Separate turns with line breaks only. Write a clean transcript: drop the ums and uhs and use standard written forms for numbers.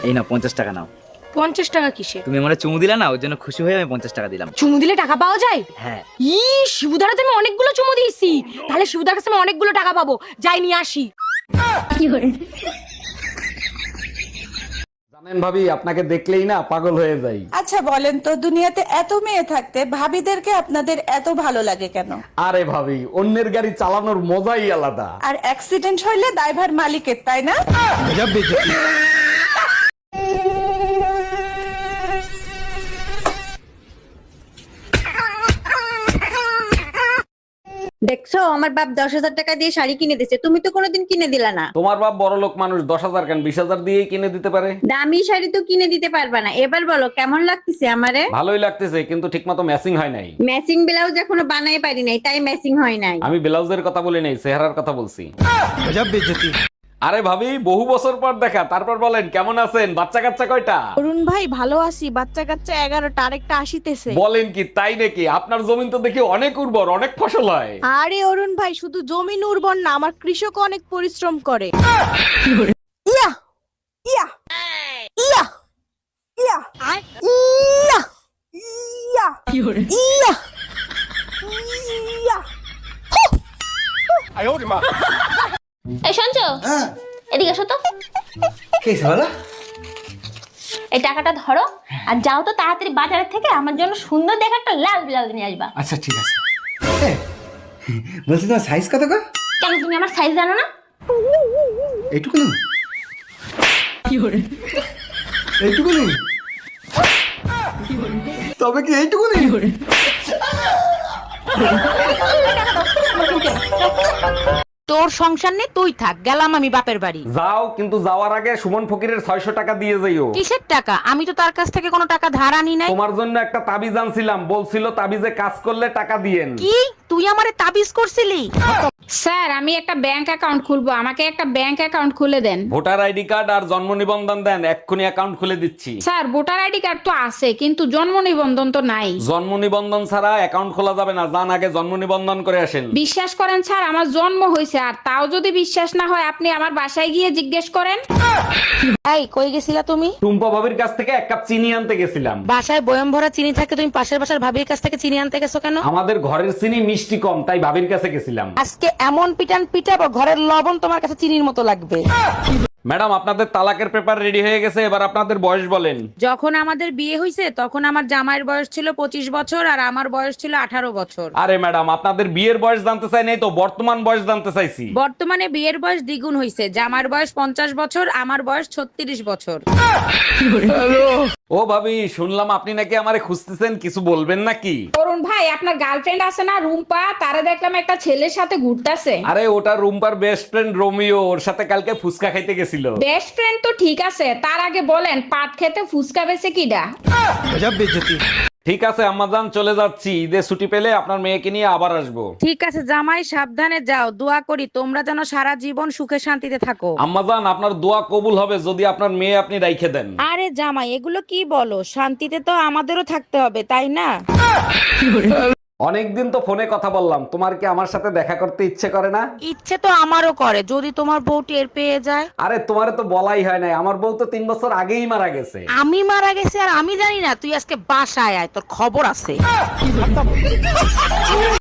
এই নাও 50 টাকা নাও।
50 টাকা কিসে?
তুমি আমারে চুমু দিলা না, ওর জন্য খুশি হয়ে আমি 50 টাকা দিলাম।
চুমু দিলে টাকা পাওয়া যায়?
হ্যাঁ।
শিবুদারা তুমি অনেকগুলো চুমু দিয়েছি, তাহলে শিবুদার কাছে আমি অনেকগুলো টাকা পাবো, যাই নিয়ে আসি।
জানেন ভাবি, আপনাকে দেখলেই না পাগল হয়ে যাই।
আচ্ছা বলেন তো, দুনিয়াতে এত মেয়ে থাকতে ভাবিদেরকে আপনাদের এত ভালো লাগে কেন?
আরে ভাবি, অন্যের গাড়ি চালানোর মজাই আলাদা।
আর অ্যাক্সিডেন্ট হইলে দায়ভার মালিকের, তাই না?
দেখছো আমার বাপ 10,000 টাকা দিয়ে শাড়ি কিনে দিচ্ছে, তুমি তো কোনোদিন কিনে দিলা না।
তোমার বাপ বড় লোক মানুষ, 10,000 কেন 20,000 দিয়েই কিনে দিতে পারে।
দামি শাড়ি তো কিনে দিতে পারবা না। এবার বলো কেমন লাগতেছে আমারে?
ভালোই লাগতেছে, কিন্তু ঠিকমতো ম্যাচিং হয় নাই।
ম্যাচিং ব্লাউজ এখনো বানাই পারি নাই, তাই ম্যাচিং হয় নাই।
আমি ব্লাউজের কথা বলি নাই, চেহারার কথা বলছি। আরে ভাবি, বহু বছর পর দেখা, তারপর বলেন কেমন আছেন? বাচ্চা কাচ্চা কয়টা?
অরুণ ভাই ভালো আছি, বাচ্চা কাচ্চা 11টা, আরেকটা আসিতেছে।
বলেন কি, তাই নাকি? আপনার জমিন তো দেখি অনেক উর্বর, অনেক ফসল হয়।
আরে অরুণ ভাই, শুধু জমিন উর্বর না, আমার কৃষক অনেক পরিশ্রম করে। ইয়া ইয়া ইয়া ইয়া ইয়া ইয়া ইয়া ইয়া।
এই শুনছো? এদিকে এসো তো। এই টাকাটা ধরো আর যাও তো তাড়াতাড়ি বাজারের থেকে আমার জন্য সুন্দর দেখে একটা লাল ব্লাউজ নিয়ে আসবা।
আচ্ছা ঠিক আছে। বলছি তোমার সাইজ কত গো?
কেন তুমি আমার সাইজ জানো না?
এইটুকু না, এইটুকু নেই, তবে কি এইটুকু নেই?
তোর সংসার নেই, তুই থাক, গেলাম আমি বাপের বাড়ি।
যাও, কিন্তু যাওয়ার আগে সুমন ফকিরের 600 টাকা দিয়ে যাইও।
কিসের টাকা? আমি তো তার কাছ থেকে কোনো টাকা ধার আনি নাই।
তোমার জন্য একটা তাবিজ আনছিলাম, বলছিল তাবিজে কাজ করলে টাকা দিয়েন।
কি তুই আমারে তাবিজ করছিলি?
স্যার আমি একটা ব্যাংক অ্যাকাউন্ট খুলবো, আমাকে একটা ব্যাংক অ্যাকাউন্ট খুলে দেন।
ভোটার আইডি কার্ড আর জন্ম নিবন্ধন দেন, এক্ষুনি অ্যাকাউন্ট খুলে দিচ্ছি।
স্যার ভোটার আইডি কার্ড তো আছে, কিন্তু জন্ম নিবন্ধন তো নাই।
জন্ম নিবন্ধন ছাড়া অ্যাকাউন্ট খোলা যাবে না, যান আগে জন্ম নিবন্ধন করে আসেন।
বিশ্বাস করেন স্যার, আমার জন্ম হয়েছে, আর তাও যদি বিশ্বাস না হয় আপনি আমার বাসায় গিয়ে জিজ্ঞেস করেন।
এই কই গেছিলা তুমি?
টুম্পা ভাবির কাছ থেকে 1 কাপ চিনি আনতে গেছিলাম।
বাসায় বয়ম ভরা চিনি থাকে, তুমি পাশের বাসার ভাবির কাছ থেকে চিনি আনতে গেছো কেন?
আমাদের ঘরের চিনি মিষ্টি কম, তাই ভাবির কাছে গেছিলাম।
আজকে এমন পিটান পিটাবো, ঘরের লবণ তোমার কাছে চিনির মতো লাগবে।
ম্যাডাম, আপনাদের তালাকের পেপার রেডি হয়ে গেছে, এবার আপনাদের বয়স বলেন।
যখন আমাদের বিয়ে হয়েছে তখন আমার জামাইয়ের বয়স ছিল 25 বছর আর আমার বয়স ছিল 18 বছর।
আরে ম্যাডাম, আপনাদের বিয়ের বয়স জানতে চাই নাই তো, বর্তমান বয়স জানতে চাইছি।
বর্তমানে বিয়ের বয়স দ্বিগুণ হয়েছে, জামার বয়স 50 বছর, আমার বয়স 36 বছর।
ও ভাবি, শুনলাম আপনি নাকি আমারে খুঁজতেছেন, কিছু বলবেন নাকি?
অরুণ ভাই, আপনার গার্লফ্রেন্ড আছে না রুম্পা, তারা দেখলাম একটা ছেলের সাথে ঘুরতেছে।
আরে ওটা রুম্পার বেস্ট ফ্রেন্ড রোমিও, ওর সাথে কালকে ফুচকা খাইতে গেছিল।
বেস্ট ফ্রেন্ড তো ঠিক আছে, তার আগে বলেন পাট খেতে ফুসকা বেছে কিডা?
ঠিক আছে আম্মাজান, চলে যাচ্ছি, ঈদের ছুটি পেলে আপনার মেয়েকে নিয়ে আবার আসবো।
ঠিক আছে জামাই, সাবধানে যাও, দোয়া করি তোমরা যেন সারা জীবন সুখে শান্তিতে থাকো।
আম্মাজান, আপনার দোয়া কবুল হবে যদি আপনার মেয়ে আপনি রাইখে দেন।
আরে জামাই, এগুলো কি বলো? শান্তিতে তো আমাদেরও থাকতে হবে, তাই না?
অনেকদিন তো ফোনে কথা বললাম, তোমার কি আমার সাথে দেখা করতে ইচ্ছে করে না?
ইচ্ছে তো আমারও করে, যদি তোমার বউ টের পেয়ে যায়।
আরে তোমারে তো বলাই হয় নাই, আমার বউ তো 3 বছর আগেই মারা গেছে।
আমি মারা গেছি আর আমি জানি না? তুই আজকে বাসায় আয়, তোর খবর আছে।